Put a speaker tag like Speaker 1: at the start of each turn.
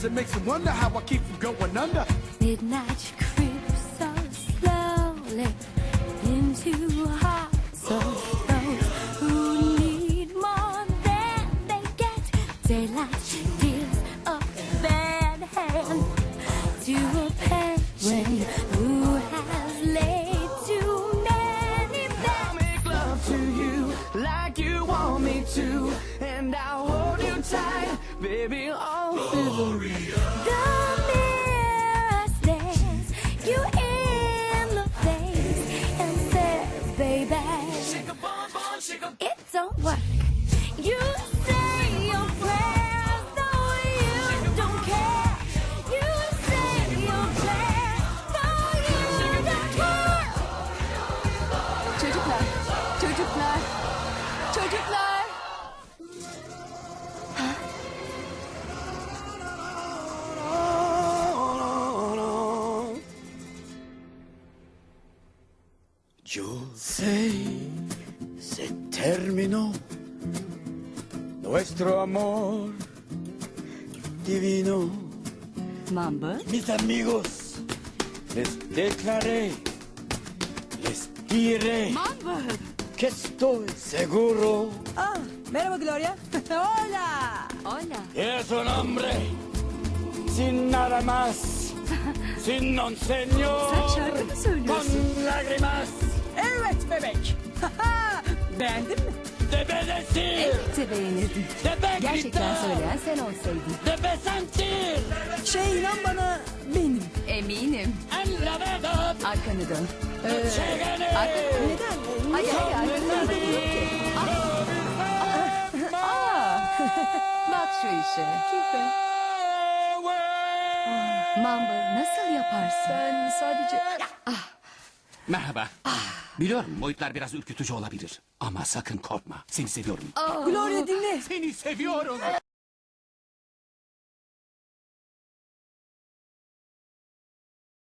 Speaker 1: it makes me wonder how I keep from going under.
Speaker 2: Midnight creeps so slowly into hearts of those who need more than they get. Daylight deals a bad hand to a penguin who has laid too many bets.
Speaker 3: I'll make love to you like you want me to, and I'll hold you tight, baby, all through the night.
Speaker 2: The mirror stares you in the face and says, baby, it don't work. You say your prayers, though you don't care. You say your prayers, though you don't care.
Speaker 4: Çocuklar, çocuklar, çocuklar.
Speaker 1: Yo sé, se terminó nuestro amor divino.
Speaker 4: Mamba,
Speaker 1: Mis amigos, les declaré, les diré
Speaker 4: Mamba.
Speaker 1: que estoy seguro.
Speaker 5: Ah, merhaba Gloria. Hola.
Speaker 4: Hola.
Speaker 1: Es un hombre sin nada más, sin un señor,
Speaker 4: Sen şarkı mı söylüyorsun?
Speaker 1: con lágrimas
Speaker 5: Evet bebek. Beğendin mi?
Speaker 1: de decir,
Speaker 4: Elbette beğenirdim.
Speaker 1: de
Speaker 4: Gerçekten
Speaker 1: gritar,
Speaker 4: söyleyen sen olsaydın.
Speaker 1: de sentir
Speaker 5: İnan bana benim.
Speaker 4: Eminim.
Speaker 1: en la verdad.
Speaker 4: Arkanı dön.
Speaker 1: Llegaré.
Speaker 5: Neden?
Speaker 4: Hayır hayır arkanı dön. Yok ki. Bak şu işe. Mamba nasıl yaparsın?
Speaker 5: Ben sadece...
Speaker 6: Merhaba. Biliyorum boyutlar biraz ürkütücü olabilir. Ama sakın korkma. Seni seviyorum.
Speaker 5: Gloria dinle.
Speaker 6: Seni seviyorum.